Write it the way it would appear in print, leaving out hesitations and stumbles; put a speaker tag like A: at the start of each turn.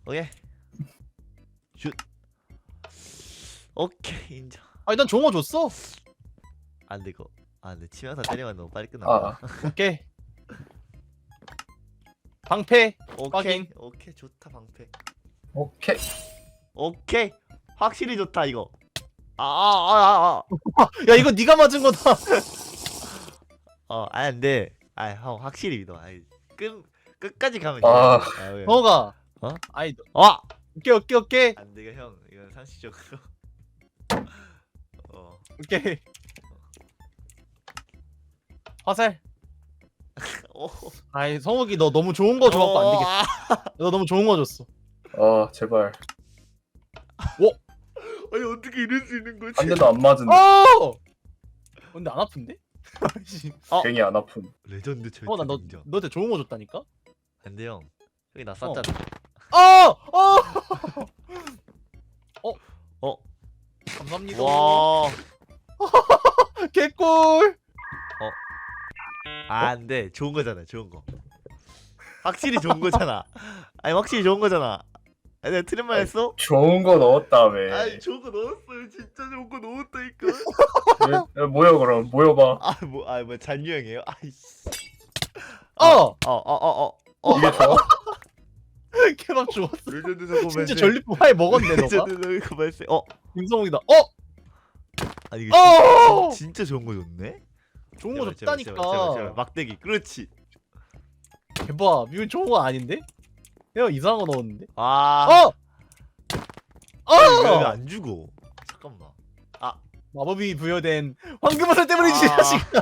A: 오케이. 슛. 오케이 인정.
B: 아니 난 좋은 거 줬어.
A: 안돼 이거. 안돼 치명타 때리면 너무 빨리 끝나.
C: 아,
B: 오케이. 방패.
A: 오케이
B: 확인.
A: 오케이 좋다 방패.
C: 오케이.
A: 오케이 확실히 좋다 이거. 아.
B: 야 이거 네가 맞은 거다.
A: 아니 안돼. 형 확실히 믿어. 끝까지 가면 돼.
C: 아.
A: 왜?
B: 너가.
A: 어?
B: 아이
A: 아.
B: 오케이.
A: 안돼 이거 형 이건 상식적으로.
B: 오케이. 화살.
A: 오.
B: 아이 성욱이 너 너무 좋은 거 줘갖고 안 되겠다. 너 너무 좋은 거 줬어.
C: 아, 제발.
A: 아니 어떻게 이럴 수 있는 거지?
C: 한 대도 안 맞은데.
B: 근데 안 아픈데?
C: 괜히 안 아픈.
A: 레전드 절대
B: 나
A: 인정.
B: 너한테 좋은 거 줬다니까?
A: 안돼 형. 형이 나 쐈잖아.
B: 감사합니다.
A: 와.
B: 개꿀.
A: 안돼 좋은 거잖아 좋은 거. 확실히 좋은 거잖아. 아니 확실히 좋은 거잖아. 아니 내가 틀린 말 했어?
C: 좋은 거 넣었다며.
A: 아니 좋은 거 넣었어요. 진짜 좋은 거 넣었다니까.
C: 야, 모여 그럼 모여봐.
A: 뭐 잔유형이에요? 아이씨.
C: 이게 좋아?
B: 케밥 주웠어.
A: 레전드 사고
B: 진짜 전리품 화에 먹었네 너가.
A: 레전드 사고 발생.
B: 김성욱이다.
A: 아니 이거
B: 어!
A: 진짜 좋은 거 줬네?
B: 좋은 거
A: 제발,
B: 줬다니까.
A: 제발. 막대기 그렇지.
B: 대박. 이건 좋은 거 아닌데? 내가 이상한 거 넣었는데.
A: 아. 왜안 주고? 잠깐만.
B: 마법이 부여된 황금화살 때문이지 이 자식아.